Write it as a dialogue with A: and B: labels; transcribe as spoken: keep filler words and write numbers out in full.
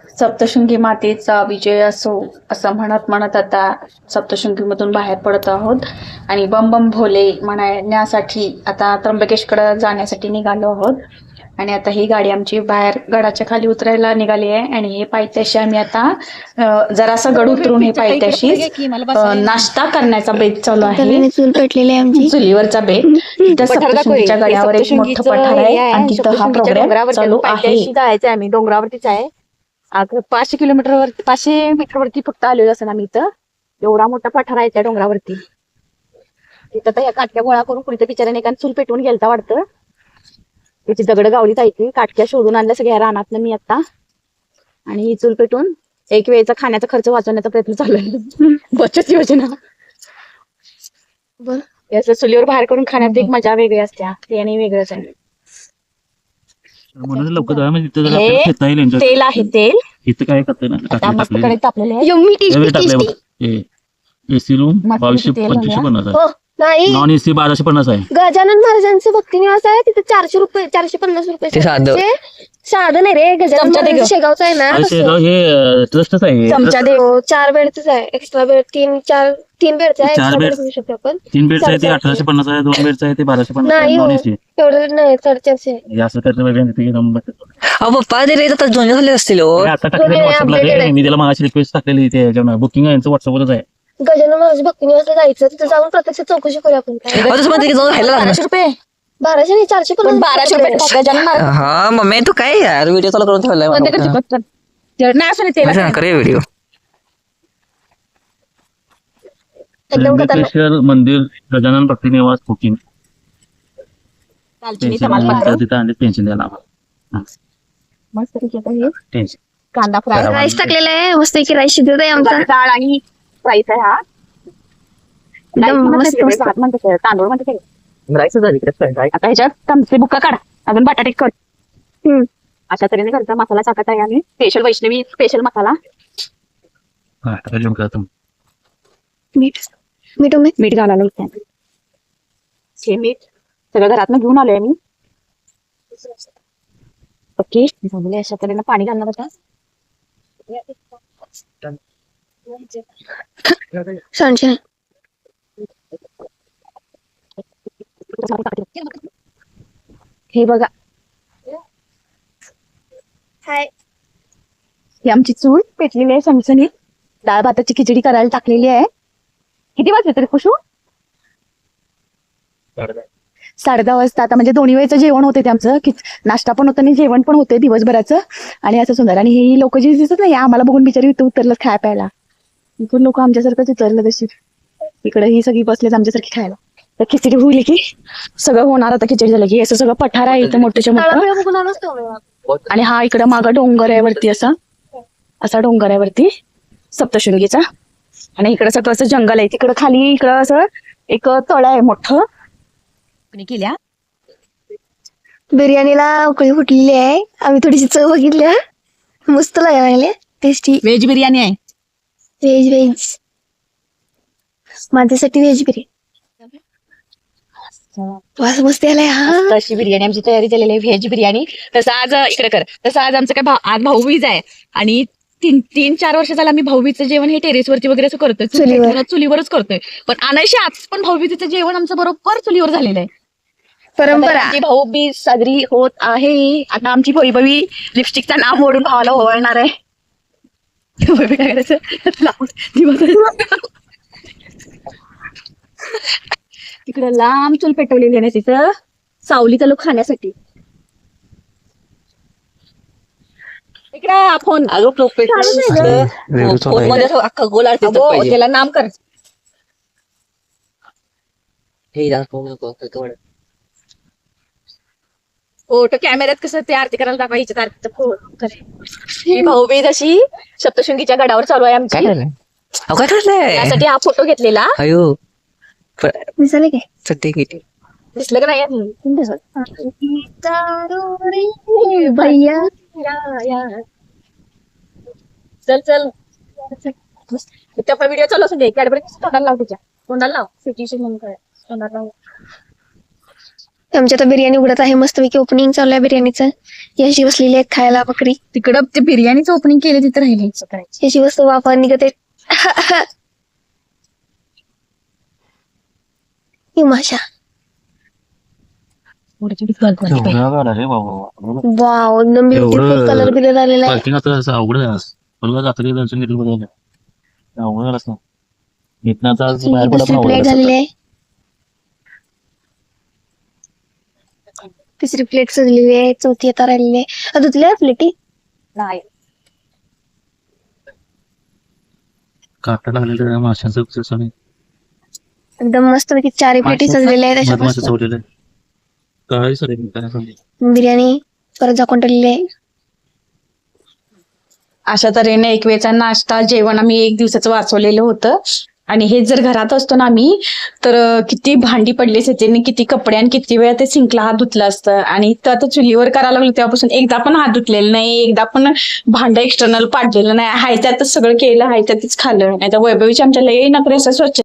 A: सप्तशृंगी मातेचा विजय असो असं म्हणत म्हणत आता सप्तशृंगीमधून बाहेर पडत आहोत आणि बम बम भोले म्हणण्यासाठी आता त्र्यंबकेशकडे जाण्यासाठी निघालो आहोत. आणि आता ही गाडी आमची बाहेर गडाच्या खाली उतरायला निघाली आहे आणि हे पायथ्याशी आम्ही आता जरासा गड उतरून हे पायथ्याशी नाश्ता करण्याचा बेत चालू आहे.
B: चूल पेटलेली आहे आमची,
A: चुलीवरचा बेत. तिथं सप्तशृंगीच्या गडावर एक मोठं पठार आहे आणि तिथं हा प्रोग्राम चालू आहे.
C: जायचंय आम्ही डोंगरावरतीच आहे. आता पाचशे किलोमीटरवर पाचशे मीटरवरती फक्त आलेलो असं आम्ही इथं. एवढा मोठा पठार आहे त्या डोंगरावरती. तिथं तर ह्या काटक्या गोळा करून कुणीतरी बिचाराने एका चूल पेटवून गेलता वाटतं. त्याची दगड गावली जायची, काटक्या शोधून आणल्या सगळ्या रानातनं मी आता. आणि ही चूल पेटून एक वेळेचा खाण्याचा खर्च वाचवण्याचा प्रयत्न चालू आहे. बचत योजना.
B: बर
C: याचं चुलीवर बाहेर करून खाण्यात एक मजा वेगळी असते. ते आणि वेगळंच आहे.
D: म्हणून लवकर जाऊया म्हणजे तिथं जरा
C: हे
D: आपल्याला खेळता येईल enjoy.
C: तेल आहे तेल.
D: इथं काय करतंय ना
C: आता
D: टाकले
C: मस्त
D: टाकले
C: कडे तापलेले आहे.
B: यम्मी टेस्टी
D: वेळ टाकले
B: टेस्टी.
D: बघ. ए एसी रूम
C: मस्त
D: बावीसशे
C: तेल
D: पंचवीसशे
C: घालूया.
D: पन्नास
B: हो
D: आहे.
B: नाही,
D: नॉन एसी बाराशे पन्नास आहे.
B: गजानन महाराजांचं भक्ती निवास आहे तिथे चारशे रुपये चारशे पन्नास रुपये
E: ते साधं.
B: ते साधं नाही रे, गजानन
C: चमचा दे
B: महाराज
C: गं.
B: शेगावचं आहे ना
D: अरे
B: तसं.
D: शेगाव हे ट्रस्टच आहे.
C: चमचा दे.
B: हो, चार बेडच आहे. एक्स्ट्रा बेड तीन चार तीन बेडचं आहे.
D: चार
B: एक्स्ट्रा
D: बेड.
B: बेड घेऊ शकतो आपण.
D: तीन बेडचं आहे ते
B: साडेचारशे.
D: अठराशे पन्नास आहे. दोन बेडचं आहे ते बाराशे पन्नास आहे.
B: नाही
D: नॉन
B: हो,
D: एसी
B: एवढं नाही, साडेचारशे आहे.
D: असं करतं वेगळं तिथे नंबर
E: अहो पप्पा ते रेट आता जुने झाले असतील हो.
D: आता टाकलेलं
B: दोन्ही
D: व्हॉट्सअपला
B: updated
D: रे.
B: आहे.
D: मी त्याला मागाशी रिक्वेस्ट टाकलेली ते बुकिंग आहे यांचं व्हॉट्सअपवरच आहे.
B: गजानन महाराज भक्ती निवासला जायचं, तिथे जाऊन प्रत्यक्ष चौकशी करूया आपण. काय
E: अहो तसं म्हणते की जाऊन राहायला लागणार.
C: बाराशे रुपये
B: बाराशे नाही, चारशे
C: पण
B: पन्नास
C: बाराशे रुपये गजानन महाराज
E: हा मम्मी तू काय यार व्हिडिओ चालू करून ठेवलाय
C: कोणत्या
E: मला.
C: करते पटकन. तेल नाही असं नाही तेल
E: असं नका रे व्हिडिओ.
B: एकदम खतरनाक.
D: त्र्यंबकेश्वर मंदिर गजानन भक्ती निवास बुकिंग
C: दालचिनी
D: टेन्शन
C: तमालपत्र
D: तिथं आणि टेन्शन द्यायला आम्हाला
C: मस्त पैकी आता हे
D: टेन्शन
C: कांदा फ्राय
B: राईस टाकलेला आहे, मस्त की राईस शिजत आहे आमचा.
C: डाळ आणि फ्राईस आहे हा.
B: एकदम
C: मस्त
B: मस्त मस्त.
C: भात म्हणते ते, तांदूळ म्हणते ते. आता ह्याच्यात चमचे बुक्का काढा, अजून बटाटे कट.
B: हम्म.
C: अशा तऱ्हेने करता मसाला टाकत आहे आम्ही. स्पेशल वैष्णवी स्पेशल मसाला.
D: हा अजून काय तुम्ही
B: मीठ मीठ उमेद.
C: मीठ घालायला लागतं. हे मीठ सगळं घरातनं घेऊन आलोय मी. ओके झाले. अशा तऱ्हेनं पाणी घालणार होता.
B: सांडशे नाही.
C: हे बघा,
B: हाय.
C: ही आमची चूल पेटलेली आहे सणसणीत. डाळ भाताची खिचडी करायला टाकलेली आहे. किती वाजले तरी खुशू? साडे दहा वाजता. आता म्हणजे दोन्ही वेळेचं जेवण होते ते आमचं. की नाश्ता पण होतं आणि जेवण पण होते दिवसभराचं. आणि असं सुंदर. आणि ही लोक जी दिसत नाही आम्हाला बघून बिचारी इथं उतरलं खाय प्यायला. इकडून लोक आमच्यासारखंच उतरलं तशी. इकडे ही सगळी बसलेत आमच्यासारखी खायला. तर खिचडी होईल की सगळं होणार. आता खिचडी झालं की असं सगळं पठार आहे इथं मोठ्याच्या मोठं.
B: तळापेळ बघून आलोच तो आम्ही.
C: आणि हा इकडं मागं डोंगर आहे वरती, असा असा डोंगर आहे वरती सप्तशृंगीचा. आणि इकडं सगळं असं जंगल आहे. तिकडं खाली इकडं असं एक तळ आहे मोठं. केल्या
B: बिर्याणीला उकळी फुटलेली आहे. आम्ही थोडीशी चव बघितल्या, मस्त लागले. टेस्टी
C: व्हेज बिर्याणी आहे.
B: व्हेज व्हेज माझ्यासाठी व्हेज बिर्याणी. वास मस्त आलाय. हा
C: तशी बिर्याणी आमची तयारी झालेली आहे, व्हेज बिर्याणी. तसं आज इकडे कर तसं आज आमचं काय भाऊ आज भाऊबीज आहे. आणि तीन तीन चार वर्ष झालं आम्ही भाऊबीजचं जेवण हे टेरेसवरती वगैरे असं करतोय.
B: चुलीवर.
C: चुलीवर- चुलीवरच करतोय. पण अनायशी आज पण भाऊबीजेचं जेवण आमचं बरोबर चुलीवर झालेलं आहे.
B: परंपरा.
C: आमची भाऊबीज साजरी होत आहे. आता आमची भैभवी लिपस्टिकचं नाव मोडून भावाला ओवाळणार आहे. भैभवी काय करायचं लावून दिवस- तिकडं लांब चूल पेटवलेली आहे तिथं सावली चालू खाण्यासाठी. इकडं फोन
E: अगं फोन मध्ये असं अख्खा गोल आरती
C: अगो,
E: पाहिजे.
C: त्याला नाम कर.
E: हे दाखव नको, नको.
C: फोटो कॅमेऱ्यात कसं ते आरती करायला दाखवायची आरतीचं फोन करे. ही भाऊबीज अशी सप्तशृंगीच्या गडावर चालू आहे आमची.
E: काय झालंय अहो काय ठरलंय
C: त्यासाठी हा फोटो घेतलेला.
E: अयो
B: दिसाले काय
E: सध्या किती
C: दिसलं का नाही?
B: भैया.
C: चल चल त्या व्हिडिओ चालू असून दे. कॅडबरी तोंडाला लाव, तिच्या तोंडाला लाव. सिटीशी म्हणून काय तोंडाला लाव.
B: आमच्या आता बिर्याणी उघडत आहे, मस्तपैकी ओपनिंग चालू आहे बिर्याणीचं. याची बसलेली आहे खायला बकरी.
A: तिकडं ते बिर्याणीचं ओपनिंग केलं तिथं राहिले करायचं.
B: याची वस्तू वापर निघते. ही माशा.
D: एवढा गाडा रे बाबा.
B: वाव, एकदम ब्युटिफुल
D: एवढं-
B: कलर बिलर आलेला आहे.
D: पार्किंग आता असं अवघड आहे आज. मला जातं की दर्शन घेतलं बघायला. अवघड झालं असं. इथनं आता आज बाहेर पडा पण
B: दुसरी
D: अवघड
B: प्लेट
D: झालं
B: झालेली
D: असं.
B: आहे. तिसरी प्लेट सजलेली आहे. चौथी आता राहिलेली आहे. धुतल्या प्लेटी.
C: नाही
D: काटा लागलेलं आहे माशांचं अक्षरशः नाही.
B: एकदम मस्तपैकी चारही प्लेटी सजलेल्या आहेत अशा
D: मधमाशा
B: मस्त.
D: चवलेलं आहे. काय सर काय सांगते.
B: बिर्याणी परत झाकून ठेवलेली आहे.
A: अशा तऱ्हेने एक वेळचा नाश्ता जेवण आम्ही एक दिवसाचं वाचवलेलं होतं. आणि हे जर घरात असतो ना आम्ही तर किती भांडी पडली असते आणि किती कपडे आणि किती वेळा ते सिंकला हात धुतलं असतं. आणि तर आता चुलीवर करायला लागलो तेव्हापासून एकदा पण हात धुतलेला नाही, एकदा पण भांडं एक्सटर्नल पाडलेलं नाही. हाय त्यातच सगळं केलं, हाय त्यातच खाल्लं. नाही तर वैभवीची आमच्या लई नखरे असं स्वच्छ